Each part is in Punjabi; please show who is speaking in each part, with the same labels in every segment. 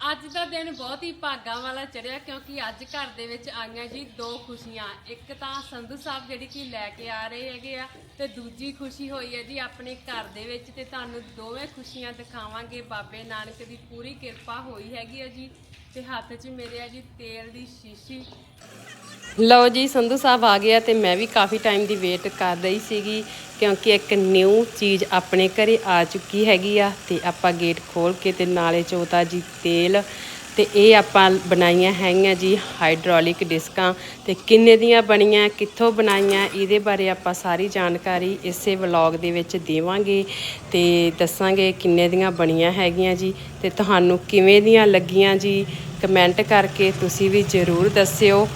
Speaker 1: ਅੱਜ ਦਾ ਦਿਨ ਬਹੁਤ ਹੀ ਭਾਗਾਂ ਵਾਲਾ ਚੜਿਆ ਕਿਉਂਕਿ ਅੱਜ ਘਰ ਦੇ ਵਿੱਚ ਆਈਆਂ ਜੀ ਦੋ ਖੁਸ਼ੀਆਂ। ਇੱਕ ਤਾਂ ਸੰਧੂ ਸਾਹਿਬ ਜਿਹੜੀ ਕਿ ਲੈ ਕੇ ਆ ਰਹੇ ਹੈਗੇ ਆ ਤੇ ਦੂਜੀ ਖੁਸ਼ੀ ਹੋਈ ਹੈ ਜੀ ਆਪਣੇ ਘਰ ਦੇ ਵਿੱਚ ਤੇ ਤੁਹਾਨੂੰ ਦੋਵੇਂ ਖੁਸ਼ੀਆਂ ਦਿਖਾਵਾਂਗੇ। ਬਾਬੇ ਨਾਨਕ ਦੀ ਪੂਰੀ ਕਿਰਪਾ ਹੋਈ ਹੈਗੀ ਆ ਜੀ ਤੇ ਹੱਥ 'ਚ ਮੇਰੇ ਆ ਜੀ ਤੇਲ ਦੀ ਸ਼ੀਸ਼ੀ। ਲਓ ਜੀ ਸੰਧੂ ਸਾਹਿਬ ਆ ਗਿਆ ਤੇ ਮੈਂ ਵੀ ਕਾਫੀ ਟਾਈਮ ਦੀ ਵੇਟ ਕਰ ਰਹੀ ਸੀਗੀ ਕਿਉਂਕਿ ਇੱਕ ਨਿਊ ਚੀਜ਼ ਆਪਣੇ ਘਰੇ ਆ ਚੁੱਕੀ ਹੈਗੀ ਆ ਤੇ ਆਪਾਂ ਗੇਟ ਖੋਲ ਕੇ ਤੇ ਨਾਲੇ ਚੋਤਾ ਜੀ ਤੇਲ ਤੇ ਇਹ ਆਪਾਂ ਬਣਾਈਆਂ ਹੈਗੀਆਂ ਜੀ ਹਾਈਡ੍ਰੋਲਿਕ ਡਿਸਕਾਂ ਤੇ ਕਿੰਨੇ ਦੀਆਂ ਬਣੀਆਂ ਕਿੱਥੋਂ ਬਣਾਈਆਂ ਇਹਦੇ ਬਾਰੇ ਆਪਾਂ ਸਾਰੀ ਜਾਣਕਾਰੀ ਇਸੇ ਵਲੌਗ ਦੇ ਵਿੱਚ ਦੇਵਾਂਗੇ ਤੇ ਦੱਸਾਂਗੇ ਕਿੰਨੇ ਦੀਆਂ ਬਣੀਆਂ ਹੈਗੀਆਂ ਜੀ ਤੇ ਤੁਹਾਨੂੰ ਕਿਵੇਂ ਦੀਆਂ ਲੱਗੀਆਂ ਜੀ ਕਮੈਂਟ ਕਰਕੇ ਤੁਸੀਂ ਵੀ ਜ਼ਰੂਰ ਦੱਸਿਓ।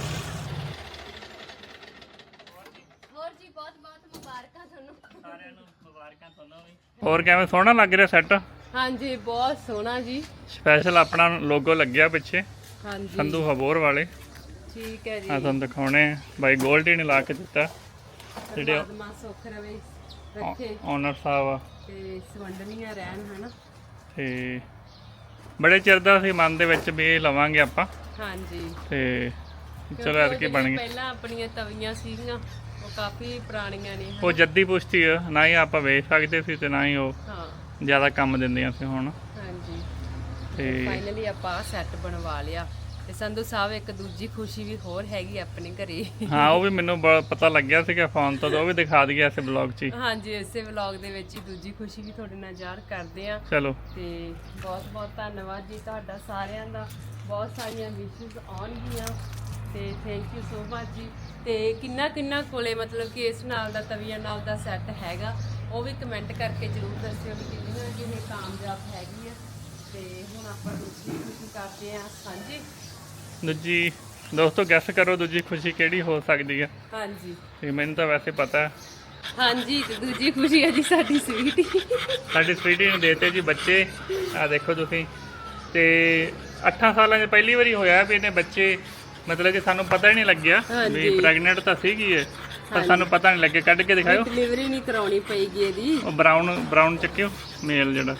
Speaker 2: ਹੋਰ ਕਿਵੇਂ ਸੋਹਣਾ ਲੱਗ ਰਿਹਾ ਸੈੱਟ?
Speaker 1: ਹਾਂਜੀ ਬਹੁਤ ਸੋਹਣਾ ਜੀ।
Speaker 2: ਸਪੈਸ਼ਲ ਆਪਣਾ ਲੋਗੋ ਲੱਗਿਆ ਪਿੱਛੇ
Speaker 1: ਹਾਂਜੀ
Speaker 2: ਸੰਧੂ ਹਬੋਰ ਵਾਲੇ।
Speaker 1: ਠੀਕ ਹੈ ਜੀ।
Speaker 2: ਆ ਤੁਹਾਨੂੰ ਦਿਖਾਉਣੇ ਬਾਈ ਗੋਲਡੀ ਨੇ ਲਾ ਕੇ ਦਿੱਤਾ ਜਿਹੜੇ
Speaker 1: ਪਰਮਾਤਮਾ ਸੁੱਖ ਰਵੇ ਰੱਖੇ
Speaker 2: ਓਨਰ ਸਾਹਿਬ ਆ
Speaker 1: ਤੇ ਸਵੰਡਨੀਆਂ ਰਹਿਣ ਹਨਾ।
Speaker 2: ਤੇ ਬੜੇ ਚਿਰ ਦਾ ਸੀ ਮਨ ਦੇ ਵਿੱਚ ਵੀ ਇਹ ਲਵਾਂਗੇ ਆਪਾਂ।
Speaker 1: ਹਾਂਜੀ
Speaker 2: ਤੇ ਚਲੋ ਐਤਕੀ ਬਣ ਗਈ।
Speaker 1: ਪਹਿਲਾਂ ਆਪਣੀਆਂ ਤਵੀਆਂ ਸੀਗੀਆਂ ਉਹ ਕਾਫੀ ਪੁਰਾਣੀਆਂ ਨੇ
Speaker 2: ਉਹ ਜੱਦੀ ਪੁਸ਼ਤੀ ਆ ਨਾ ਹੀ ਆਪਾਂ ਵੇਚ ਸਕਦੇ ਸੀ ਤੇ ਨਾ ਹੀ ਉਹ
Speaker 1: ਹਾਂ
Speaker 2: ਜ਼ਿਆਦਾ ਕੰਮ ਦਿੰਦੀਆਂ ਸੀ ਹੁਣ।
Speaker 1: ਹਾਂਜੀ
Speaker 2: ਤੇ
Speaker 1: ਫਾਈਨਲੀ ਆਪਾਂ ਸੈੱਟ ਬਣਵਾ ਲਿਆ ਤੇ ਸੰਧੂ ਸਾਹਿਬ ਇੱਕ ਦੂਜੀ ਖੁਸ਼ੀ ਵੀ ਹੋਰ ਹੈਗੀ ਆਪਣੇ ਘਰੇ।
Speaker 2: ਹਾਂ ਉਹ ਵੀ ਮੈਨੂੰ ਪਤਾ ਲੱਗਿਆ ਸੀਗਾ ਫੋਨ ਤੋਂ ਉਹ ਵੀ ਦਿਖਾ ਦਈਏ ਇਸੇ ਬਲੌਗ 'ਚ ਹੀ।
Speaker 1: ਹਾਂਜੀ ਇਸੇ ਵਲੌਗ ਦੇ ਵਿੱਚ ਹੀ ਦੂਜੀ ਖੁਸ਼ੀ ਵੀ ਤੁਹਾਡੇ ਨਾਲ ਜ਼ਾਹਰ ਕਰਦੇ ਆ।
Speaker 2: ਚਲੋ
Speaker 1: ਤੇ ਬਹੁਤ ਬਹੁਤ ਧੰਨਵਾਦ ਜੀ ਤੁਹਾਡਾ ਸਾਰਿਆਂ ਦਾ। ਬਹੁਤ ਸਾਰੀਆਂ ਵਿਸ਼ੇਸ ਆਉਣਗੀਆਂ ਤੇ ਥੈਂਕ ਯੂ ਸੋ ਮਚ ਜੀ। ਤੇ ਕਿੰਨਾ ਕੋਲੇ ਮਤਲਬ ਕਿ ਇਸ ਨਾਲ ਦਾ ਤਵੀਆਂ ਨਾਲ ਦਾ ਸੈੱਟ ਹੈਗਾ ਉਹ ਵੀ ਕਮੈਂਟ ਕਰਕੇ ਜ਼ਰੂਰ ਦੱਸਿਓ ਵੀ ਕਿੰਨੀਆਂ ਜੀ ਇਹ ਕਾਮਯਾਬ ਹੈਗੀ ਆ। ਤੇ ਹੁਣ ਆਪਾਂ ਦੂਜੀ ਖੁਸ਼ੀ ਕਰਦੇ ਆ ਸਾਂਝੀ।
Speaker 2: ਦੂਜੀ ਦੋਸਤੋ ਗੈਸ ਕਰੋ ਦੂਜੀ ਖੁਸ਼ੀ ਕਿਹੜੀ ਹੋ ਸਕਦੀ ਹੈ?
Speaker 1: ਹਾਂਜੀ
Speaker 2: ਤੇ ਮੈਨੂੰ ਤਾਂ ਵੈਸੇ ਪਤਾ ਹੈ।
Speaker 1: ਹਾਂਜੀ ਤੇ ਦੂਜੀ ਖੁਸ਼ੀ ਹੈ ਜੀ ਸਾਡੀ ਸਵੀਟੀ।
Speaker 2: ਸਾਡੀ ਸਵੀਟੀ ਨੂੰ ਦੇਤੇ ਜੀ ਬੱਚੇ। ਆ ਦੇਖੋ ਤੁਸੀਂ ਤੇ 8 ਸਾਲਾਂ 'ਚ ਪਹਿਲੀ ਵਾਰੀ ਹੋਇਆ ਵੀ ਇਹਨੇ ਬੱਚੇ ਮਤਲਬ ਕਿ ਸਾਨੂੰ ਪਤਾ ਹੀ ਨਹੀਂ ਲੱਗਿਆ ਵੀ ਪ੍ਰੈਗਨੈਂਟ ਤਾਂ ਸੀਗੀ ਇਹ ਪਰ ਸਾਨੂੰ ਪਤਾ ਨਹੀਂ ਲੱਗਿਆ। ਕੱਢ ਕੇ ਦਿਖਾਓ।
Speaker 1: ਡਿਲੀਵਰੀ ਨਹੀਂ ਕਰਾਉਣੀ ਪਈਗੀ ਇਹਦੀ।
Speaker 2: ਉਹ ਬਰਾਊਨ ਚੱਕਿਓ ਮੇਲ ਜਿਹੜਾ।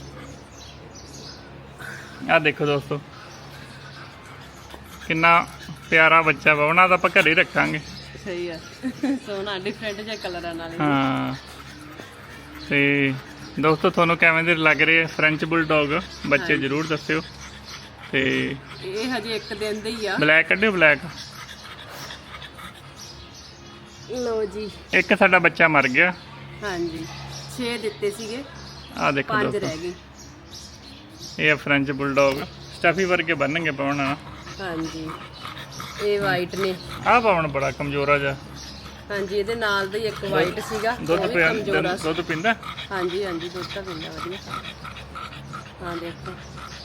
Speaker 2: ਆ ਦੇਖੋ ਦੋਸਤੋ ਕਿੰਨਾ ਪਿਆਰਾ ਬੱਚਾ ਵਾ। ਉਹਨਾਂ ਦਾ ਆਪਾਂ ਘਰੇ ਹੀ ਰੱਖਾਂਗੇ।
Speaker 1: ਸਹੀ ਆ ਸੋਹਣਾ ਡਿਫਰੈਂਟ ਜਿਹਾ ਕਲਰਾਂ ਨਾਲ।
Speaker 2: ਹਾਂ ਤੇ ਦੋਸਤੋ ਤੁਹਾਨੂੰ ਕਿਵੇਂ ਦੇ ਲੱਗ ਰਹੇ ਫ੍ਰੈਂਚ ਬੁਲਡੌਗ ਬੱਚੇ ਜ਼ਰੂਰ ਦੱਸਿਓ। ਤੇ
Speaker 1: ਇਹ ਹਜੇ ਇੱਕ ਦਿਨ ਦੇ ਹੀ ਆ।
Speaker 2: Black ਕੱਢਿਓ black.
Speaker 1: ਲੋ ਜੀ
Speaker 2: ਇੱਕ ਸਾਡਾ ਬੱਚਾ ਮਰ ਗਿਆ।
Speaker 1: ਹਾਂਜੀ 6 ਦਿੱਤੇ ਸੀਗੇ
Speaker 2: ਆ ਦੇਖੋ
Speaker 1: 5
Speaker 2: ਦੋਸਤੋ
Speaker 1: ਰਹਿ ਗਏ।
Speaker 2: ਇਹ ਫ੍ਰੈਂਚ ਬੁਲਡੌਗ ਸਟਫੀ ਵਰਗੇ ਬਣਨਗੇ ਪਾਉਣਾ।
Speaker 1: ਹਾਂਜੀ ਇਹ ਵਾਈਟ ਨੇ।
Speaker 2: ਆਹ ਪਾਉਣ ਬੜਾ ਕਮਜ਼ੋਰਾ ਜਾ।
Speaker 1: ਹਾਂਜੀ ਇਹਦੇ ਨਾਲ ਦਾ ਹੀ ਇੱਕ ਵਾਈਟ ਸੀਗਾ
Speaker 2: ਦੁੱਧ
Speaker 1: ਕਮਜ਼ੋਰਾ।
Speaker 2: ਦੁੱਧ ਪੀਂਦਾ।
Speaker 1: ਹਾਂਜੀ ਹਾਂਜੀ ਦੁੱਧ ਤਾਂ ਪੀਂਦਾ ਵਧੀਆ। ਹਾਂ ਦੇਖੋ।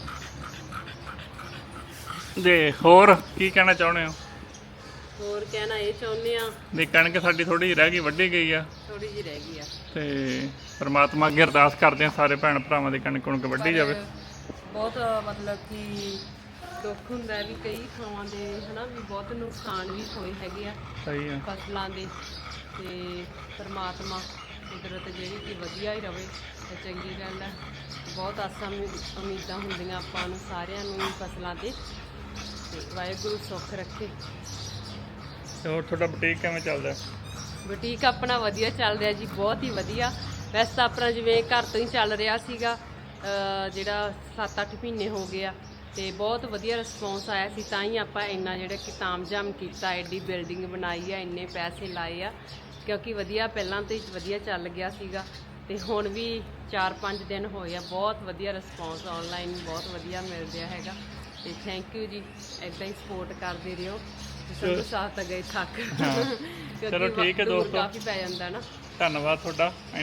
Speaker 2: ਦੇ ਹੋਰ ਕੀ ਕਹਿਣਾ ਚਾਹੁੰਦੇ ਹੋ?
Speaker 1: ਹੋਰ ਕਹਿਣਾ ਇਹ ਚਾਹੁੰਦੇ ਆ
Speaker 2: ਵੀ ਕਣਕ ਸਾਡੀ ਥੋੜੀ ਜਿਹੀ ਰਹਿ ਗਈ ਵੱਢੀ ਗਈ ਆ
Speaker 1: ਥੋੜੀ ਜਿਹੀ ਰਹਿ ਗਈ ਆ
Speaker 2: ਤੇ ਪਰਮਾਤਮਾ ਅੱਗੇ ਅਰਦਾਸ ਕਰਦੇ ਆ ਸਾਰੇ ਭੈਣ ਭਰਾਵਾਂ ਦੀ ਕਣਕ ਵੱਢੀ ਜਾਵੇ।
Speaker 1: ਬਹੁਤ ਮਤਲਬ ਕਿ ਦੁੱਖ ਹੁੰਦਾ ਵੀ ਕਈ ਥਾਵਾਂ ਦੇ ਹਨਾ ਵੀ ਬਹੁਤ ਨੁਕਸਾਨ ਵੀ ਹੋਏ ਹੈਗੇ ਆ
Speaker 2: ਸਹੀ ਆ
Speaker 1: ਫਸਲਾਂ ਦੇ ਤੇ ਪਰਮਾਤਮਾ ਕੁਦਰਤ ਜਿਹੜੀ ਕਿ ਵਧੀਆ ਹੀ ਰਵੇ ਤੇ ਚੰਗੀ ਗੱਲ ਹੈ। ਬਹੁਤ ਆਸਾਂ ਉਮੀਦਾਂ ਹੁੰਦੀਆਂ ਆਪਾਂ ਨੂੰ ਸਾਰਿਆਂ ਨੂੰ ਫਸਲਾਂ ਤੇ ਵਾਹਿਗੁਰੂ ਸੁੱਖ ਰੱਖੇ।
Speaker 2: ਤੇ ਹੋਰ ਤੁਹਾਡਾ ਬੁਟੀਕ ਕਿਵੇਂ ਚੱਲਦਾ?
Speaker 1: ਬੁਟੀਕ ਆਪਣਾ ਵਧੀਆ ਚੱਲ ਰਿਹਾ ਜੀ ਬਹੁਤ ਹੀ ਵਧੀਆ। ਵੈਸੇ ਤਾਂ ਆਪਣਾ ਜਿਵੇਂ ਘਰ ਤੋਂ ਹੀ ਚੱਲ ਰਿਹਾ ਸੀਗਾ ਜਿਹੜਾ 7-8 ਮਹੀਨੇ ਹੋ ਗਏ ਆ ਤੇ ਬਹੁਤ ਵਧੀਆ ਰਿਸਪੌਂਸ ਆਇਆ ਸੀ ਤਾਂ ਹੀ ਆਪਾਂ ਇੰਨਾ ਜਿਹੜਾ ਕਿ ਤਾਮਝਾਮ ਕੀਤਾ ਐਡੀ ਬਿਲਡਿੰਗ ਬਣਾਈ ਆ ਇੰਨੇ ਪੈਸੇ ਲਾਏ ਆ ਕਿਉਂਕਿ ਵਧੀਆ ਪਹਿਲਾਂ ਤੋਂ ਹੀ ਵਧੀਆ ਚੱਲ ਗਿਆ ਸੀਗਾ ਤੇ ਹੁਣ ਵੀ 4-5 ਦਿਨ ਹੋਏ ਆ ਬਹੁਤ ਵਧੀਆ ਰਿਸਪੌਂਸ ਆਨਲਾਈਨ ਬਹੁਤ ਵਧੀਆ ਮਿਲ ਰਿਹਾ ਹੈਗਾ ਤੇ ਥੈਂਕ ਯੂ ਜੀ। ਇੱਦਾਂ ਹੀ ਸਪੋਰਟ ਕਰਦੇ ਰਹੋ। ਸੰਧੂ ਸਾਹਿਬ ਤਾਂ ਗਏ ਥੱਕ
Speaker 2: ਚਲੋ ਠੀਕ ਹੈ ਦੋਸਤੋ
Speaker 1: ਕਾਫੀ ਪੈ ਜਾਂਦਾ ਨਾ।
Speaker 2: ਧੰਨਵਾਦ ਤੁਹਾਡਾ।